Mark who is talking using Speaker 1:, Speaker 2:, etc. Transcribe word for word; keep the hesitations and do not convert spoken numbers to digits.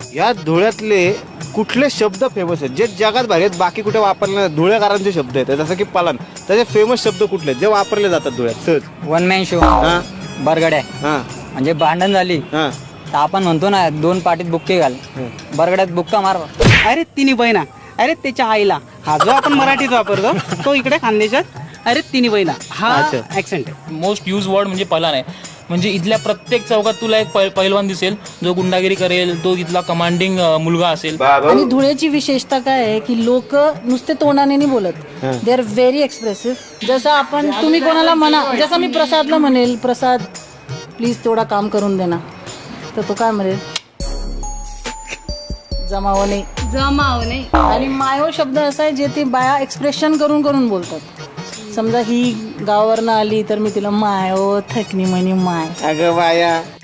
Speaker 1: या धुळ्यातले कुठले शब्द फेमस आहेत जे जगात बाहेर आहेत, बाकी कुठे वापरले नाही? धुळेकरांचे शब्द आहेत जसं की पलान, त्याचे फेमस शब्द कुठले जे वापरले जातात धुळ्यात सहज?
Speaker 2: वन मॅन शो,
Speaker 1: हा
Speaker 2: बरगड्या.
Speaker 1: हा
Speaker 2: म्हणजे भांडण झाली
Speaker 1: हा
Speaker 2: तर आपण म्हणतो ना दोन पाटीत बुक्के घाल, बरगड्यात बुक्का मार.
Speaker 3: अरे तिन्ही बहिणा, अरे त्याच्या आईला, हा जो आपण मराठीत वापरतो तो इकडे खानदेशात अरे तिन्ही बहिणा हा
Speaker 1: अच्छा.
Speaker 3: ऍक्सेंट आहे.
Speaker 4: मोस्ट यूज वर्ड म्हणजे पलान आहे. म्हणजे इथल्या प्रत्येक चौकात तुला एक पै- पैलवान दिसेल जो गुंडागिरी करेल, तो इथला कमांडिंग मुलगा असेल.
Speaker 5: आणि धुळ्याची विशेषता काय आहे की लोक नुसते तोंडाने नाही बोलत, दे आर व्हेरी एक्सप्रेसिव्ह. जसं आपण तुम्ही कोणाला म्हणा, जसं मी प्रसादला म्हणेल प्रसाद प्लीज तेवढा काम करून दे ना, तर तो काय म्हणेल जमाव नाही
Speaker 6: जमाव नाही.
Speaker 5: आणि मायो शब्द असा आहे जे ते बाया एक्सप्रेशन करून करून बोलतात. समजा ही गावावरनं आली तर मी तिला मायो थकनी म्हणे माय.
Speaker 1: अगं बाया